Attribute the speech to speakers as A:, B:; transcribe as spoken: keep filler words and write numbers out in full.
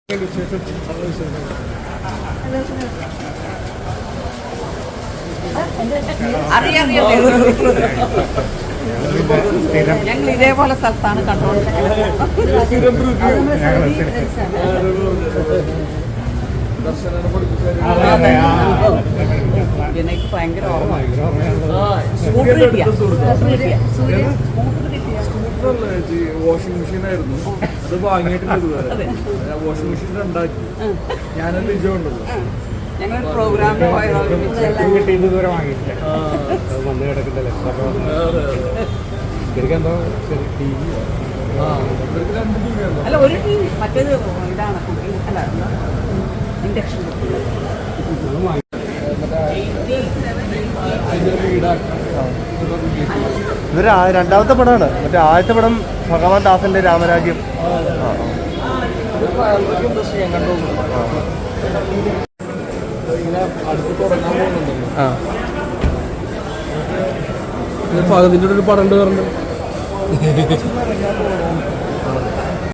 A: ഞങ്ങൾ ഇതേപോലെ സ്ഥലത്താണ് എനിക്ക് ഭയങ്കര
B: വാഷിംഗ് മെഷീൻ ആയിരുന്നു അത് വാങ്ങിയിട്ടില്ല. വാഷിംഗ് മെഷീൻ ഉണ്ടാക്കി ഞാനത് വിജയമുണ്ടല്ലോ.
A: ഞങ്ങൾ പ്രോഗ്രാമിന്
C: ഇതുവരെ വാങ്ങിയിട്ടില്ല. വന്ന് കിടക്കണ്ടല്ലേ എന്തോ
A: അല്ല ഒരു ടി വി മറ്റേത് ഇതാണ് അല്ല ഇൻഡക്ഷൻ.
C: ഇതൊരു രണ്ടാമത്തെ പടമാണ്. മറ്റേ ആദ്യത്തെ പടം ഭഗവാൻ ദാസന്റെ രാമരാജ്യം.
B: ഫഹദിന്റെ ഒരു പടം ഉണ്ട് പറഞ്ഞു.